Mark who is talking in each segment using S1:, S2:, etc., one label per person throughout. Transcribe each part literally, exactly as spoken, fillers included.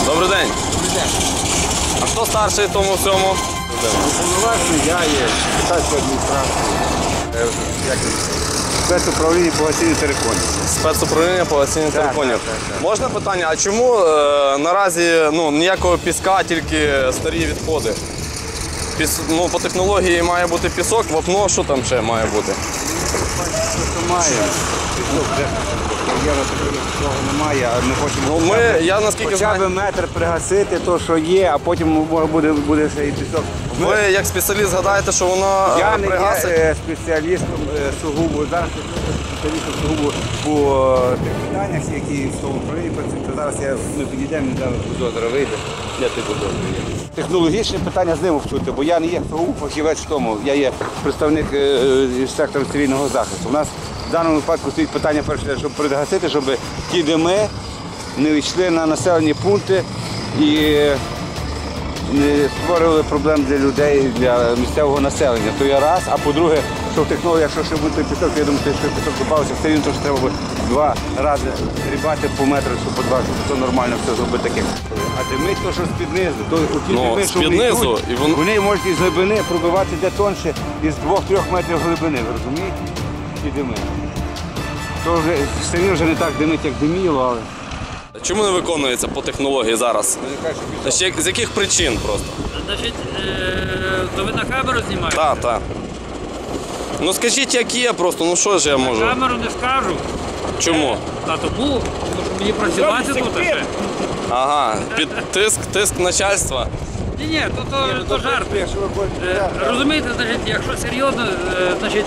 S1: Добрий день.
S2: Добрий день.
S1: А хто старший в тому всьому?
S2: Уповноважений я є Китайської адміністрації. Спецуправління по гасінню териконів.
S1: Спецуправління по гасінню териконів.
S2: так, так, так.
S1: Можна питання, а чому е, наразі ну, ніякого піска, тільки старі відходи? Піс, ну, по технології має бути пісок, вапно, що там ще має бути?
S2: Що має? Кар'єра такого немає, а ми хочемо
S1: Ну, ми,
S2: хоча б-
S1: я наскільки
S2: хоча б
S1: знаю,
S2: метр пригасити, то, що є, а потім буде, буде ще і пісок. Ми-
S1: ви як спеціаліст гадаєте, що воно
S2: Я
S1: е,
S2: не є
S1: пригасить?
S2: е, спеціалістом е, сугубо. Зараз я спеціалістом сугубо по е, тих питаннях, які в тому управлінні працюють. То зараз я, ми підійдемо, зараз бульдозера вийде. Де ти бульдозер є? Технологічне питання з ним вчути, бо я не є сугубо фахівець в тому. Я є представник е, е, сектору цивільного захисту. У нас в даному випадку стоїть питання перше, щоб пригасити, щоб ті дими не йшли на населені пункти і не створювали проблем для людей, для місцевого населення. То є раз, а по-друге, що в технології, якщо ще буде пісок, то я думаю, що пісок добавився, все рівно, що треба буде два рази рібати по метру, що по два, щоб це нормально все зробити таке. А димить то, що з-під низу, то ті
S1: Ну,
S2: дими, що
S1: з-під
S2: вони
S1: низу,
S2: йдуть,
S1: і вон-
S2: вони можуть із глибини пробивати де тонше, із двох-трьох метрів глибини, ви розумієте? Ті дими. То вже все рівно вже не так димить, як диміло, але...
S1: Чому не виконується по технології зараз?
S2: Вони кажуть, що пісок.
S1: Ще з яких причин просто?
S3: Значить, е, то ви на камеру знімаєте?
S1: Так, так. Ну скажіть, як є просто, ну що ж я можу?
S3: На камеру не скажу.
S1: Чому?
S3: А тому, тому що мені працювати тут ще.
S1: Ага, під тиск, тиск начальства.
S3: Ні, ні, то, то, то жарт.
S2: Якщо ви хочете,
S3: Е, Розумієте, значить, якщо серйозно, е, значить,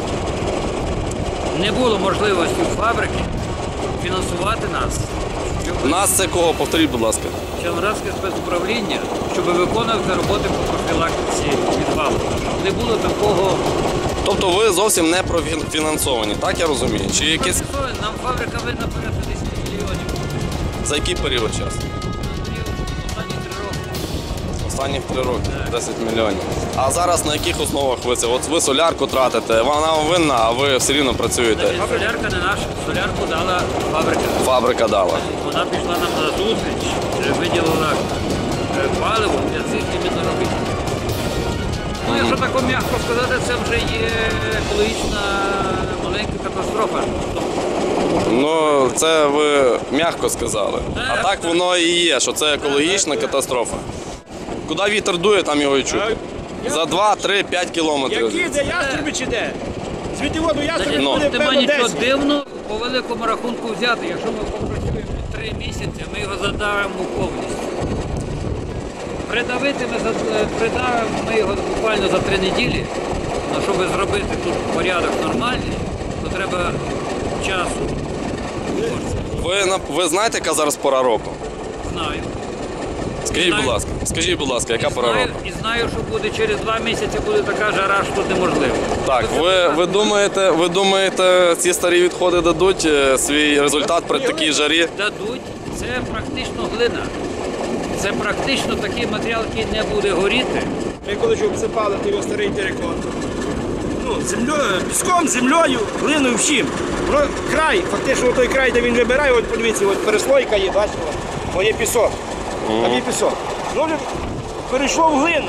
S3: не було можливості у фабрики фінансувати нас.
S1: У нас це кого? Повторіть, будь ласка.
S3: Червоноградське спецуправління, щоб виконувати роботи по профілактиці відвалу. Не було такого.
S1: Тобто ви зовсім не профінансовані, так я розумію? Чи якісь
S3: Нам фабрика винна порядка десять мільйонів.
S1: за який період часу?
S3: Останні три роки.
S1: Останніх три роки, десять мільйонів. А зараз на яких основах ви це? От ви солярку тратите, вона вам винна, а ви все рівно працюєте.
S3: Значить, солярка не наша, солярку дала фабрика.
S1: Фабрика дала.
S3: Вона пішла нам на зустріч, е, виділила е, паливо для цих іменно робіт. Ну, якщо так м'яко сказати, це вже є екологічна маленька катастрофа.
S1: Ну, це ви м'яко сказали. А так воно і є, що це екологічна катастрофа. Куди вітер дує, там його і чути. За два, три, п'ять кілометрів.
S4: Які де ястреби чи де? Звідти воду ястреби
S1: Ну.
S4: буде
S3: Нема
S4: певно
S3: нічого
S4: десять.
S3: дивного по великому рахунку взяти. Якщо ми попрацюємо три місяці, ми його задавимо повністю. Придавити ми, за- придавимо ми його буквально за три неділі. Ну, щоб зробити тут порядок нормальний, то треба часу.
S1: Ви, на- ви знаєте, яка зараз пора року?
S3: Знаю.
S1: Скажіть, будь ласка, скажіть, будь ласка, яка пора
S3: Знаю,
S1: року?
S3: і знаю, що буде через два місяці буде така жара, що тут неможливо.
S1: Так, ви, ви думаєте, ви думаєте, ці старі відходи дадуть е, свій результат при такій жарі?
S3: Дадуть, це практично глина. Це практично такий матеріал, який не буде горіти.
S4: Ми коли ж обсипали той старий терикон. Ну, землею, піском, землею, глиною, всім. Воно край, фактично той край, де він вибирає, от подивіться, от переслойка є, бачите, от, о, є пісок. Там є пісок. Ну, вже перейшло в глину.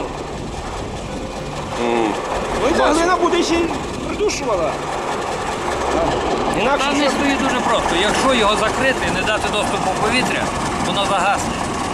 S4: Ну і та глина буде ще й придушувала. Інакше
S3: Там не
S4: що?
S3: стоїть дуже просто. Якщо його закрити і не дати доступу повітря, воно загасне.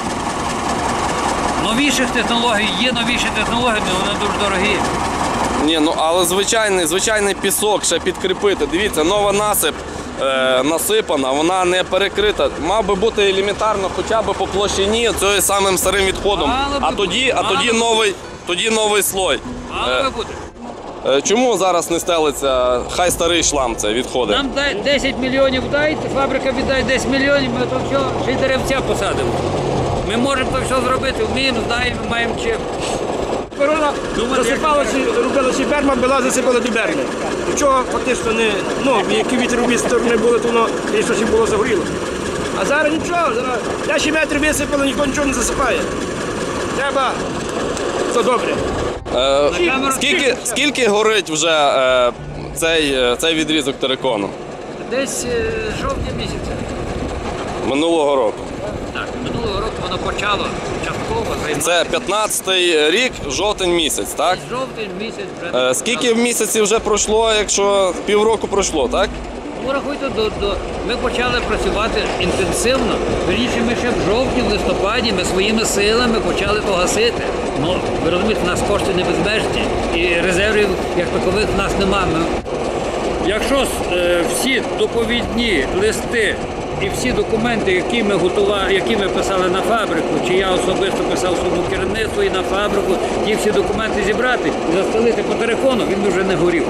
S3: Новіших технологій, є новіші технології, але вони дуже дорогі.
S1: Ні, ну але звичайний, звичайний пісок ще підкріпити. Дивіться, нова насип е, насипана, вона не перекрита. Мав би бути елементарно хоча б по площині цією самим старим відходом.
S3: Мало би
S1: А тоді, а
S3: бути,
S1: тоді
S3: мало би
S1: новий, тоді новий слой.
S3: Мало би бути.
S1: Е, Чому зараз не стелиться, хай старий шлам це відходи?
S3: Нам дай десять мільйонів дайте, фабрика віддай десять мільйонів, ми то все, ще й деревця посадимо. Ми можемо то все зробити, вміємо, знаємо, маємо чим.
S4: Корона засипала, чи робила, чи берма була, засипала до берми. Нічого фактично не, ну, які вітер обі сторони були, то воно, звісно, ще було загоріло. А зараз нічого, зараз десять метрів висипало, ніхто нічого не засипає. Треба, це добре.
S1: Е, скільки, скільки горить вже е, цей, е, цей відрізок терикону?
S3: Десь е, жовтня місяця.
S1: Минулого року.
S3: Так, минулого року воно почало частково займатися.
S1: Це п'ятнадцятий рік, жовтень місяць, так?
S3: Жовтень місяць вже.
S1: Е, Скільки в місяці вже пройшло, якщо півроку пройшло, так?
S3: Ну, рахуйте, до, до... ми почали працювати інтенсивно. Вірніше, ми ще в жовтні, в листопаді ми своїми силами почали то гасити. Ну, ви розумієте, у нас кошти не безмежні і резервів як такових в нас немає. Ми... Якщо е, всі доповідні листи і всі документи, які ми готували, які ми писали на фабрику, чи я особисто писав своєму керівництву і на фабрику, ті всі документи зібрати і застелити по телефону, він би вже не горів.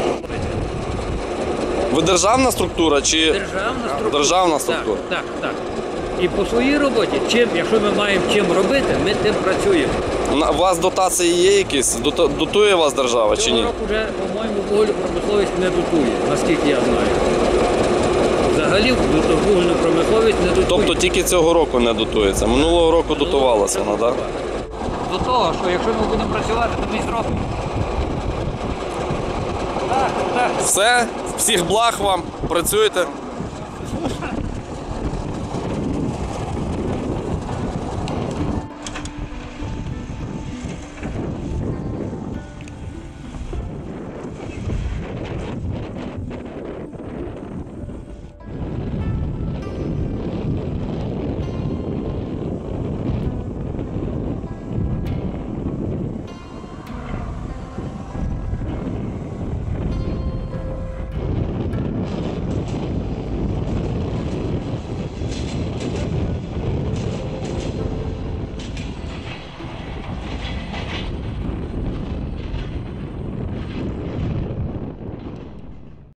S1: Ви державна структура чи
S3: Державна структура.
S1: Державна структура.
S3: Так, так, так. І по своїй роботі, чим, якщо ми маємо чим робити, ми тим працюємо.
S1: На- у вас дотації є якісь? Дота- Дотує вас держава чи
S3: Цього
S1: ні?
S3: року вже, по-моєму, вугільну промисловість не дотує, наскільки я знаю. Взагалі вугільну промисловість не дотує.
S1: Тобто тільки цього року не дотується. Минулого року дотувалася вона, так?
S3: До того, що якщо ми будемо працювати, то ми й зробимо. Так, так.
S1: Все, всіх благ вам, працюйте.